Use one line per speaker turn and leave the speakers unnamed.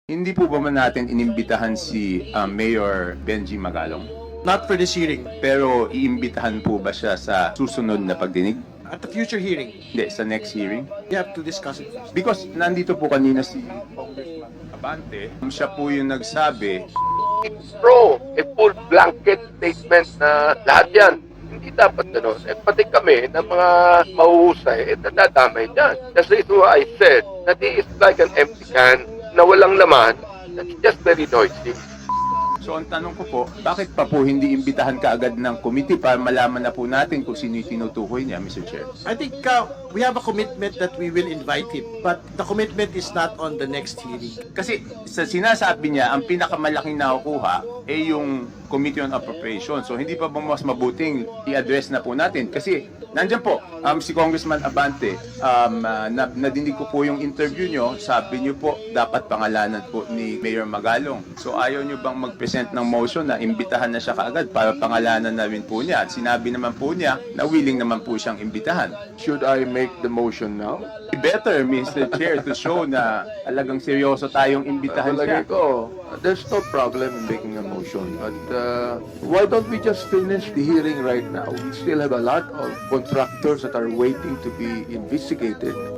Hindi po ba natin inimbitahan si Mayor Benji Magalong?
Not for this hearing.
Pero iimbitahan po ba siya sa susunod na pagdinig?
At the future hearing,
Hindi, sa next hearing?
we have to discuss it first.
Because nandito po kanina si Congressman Abante, siya po yung nagsabi,
It's true. A full blanket statement na lahat yan. Hindi dapat gano'n. Eh, pati kami na mga mahuhusay, nadadamay dyan. That's the reason why I said that he is like an empty can na walang laman. That's just very noisy.
so ang tanong ko po, bakit pa po hindi imbitahan kaagad ng committee para malaman na po natin kung sino yung tinutukoy niya, Mr. Chair?
I think we have a commitment that we will invite him, but the commitment is not on the next hearing.
Kasi sa sinasabi niya, ang pinakamalaking nakukuha ay yung Committee on Appropriation. So hindi pa ba mas mabuting i-address na po natin? Kasi nandyan po, si Congressman Abante, nadinig ko po yung interview nyo, sabi nyo po, dapat pangalanan po ni Mayor Magalong. So ayaw nyo bang mag-present ng motion na imbitahan na siya kaagad para pangalanan na rin po niya? At sinabi naman po niya na willing naman po siyang imbitahan.
Should I make the motion now?
Better, Mr. Chair, to show na talagang seryoso tayong imbitahan siya.
Palagay ko, there's no problem in making a motion. But why don't we just finish the hearing right now? We still have a lot of contractors that are waiting to be investigated.